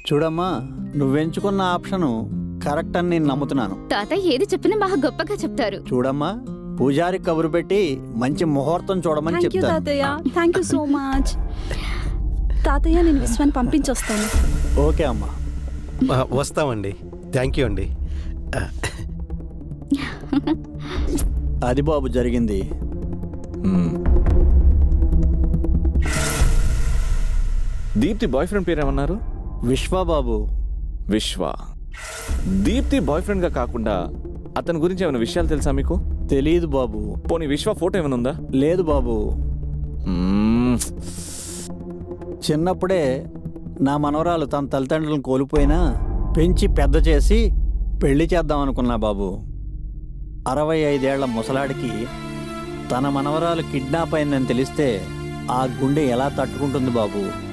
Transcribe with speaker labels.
Speaker 1: చూడమ్మా, నువ్వెంచుకున్న option correct అని నేను నమ్ముతున్నాను.
Speaker 2: తాతయ్య ఏది చెప్పినా బాగా గొప్పగా చెప్తారు.
Speaker 1: చూడమ్మా, పూజారి కబురు పెట్టి మంచి ముహూర్తం చూడమని
Speaker 3: థ్యాంక్ యూ
Speaker 1: చెప్తాను.
Speaker 3: తాతయ్య, థ్యాంక్ యూ సో మచ్. తాతయ్య, నేను విశ్వాన్ని పంపించొస్తాను.
Speaker 1: ఓకే అమ్మా.
Speaker 4: వస్తామండి. థ్యాంక్ యూ అండి.
Speaker 1: అది బాబు జరిగింది.
Speaker 5: దీప్తి బాయ్ ఫ్రెండ్ పేరేమన్నారు?
Speaker 1: విశ్వబాబు.
Speaker 5: విశ్వ. దీప్తి బాయ్ ఫ్రెండ్గా కాకుండా అతని గురించి ఏమైనా విషయాలు తెలుసా మీకు?
Speaker 1: తెలియదు బాబు.
Speaker 5: పోనీ విశ్వ ఫోటో ఏమైనా ఉందా?
Speaker 1: లేదు బాబు. చిన్నప్పుడే నా మనవరాలు తన తల్లిదండ్రులను కోల్పోయినా పెంచి పెద్ద చేసి పెళ్లి చేద్దాం అనుకున్నా బాబు. 65 ఏళ్ల ముసలాడికి తన మనవరాలు కిడ్నాప్ అయిందని తెలిస్తే ఆ గుండె ఎలా తట్టుకుంటుంది బాబు?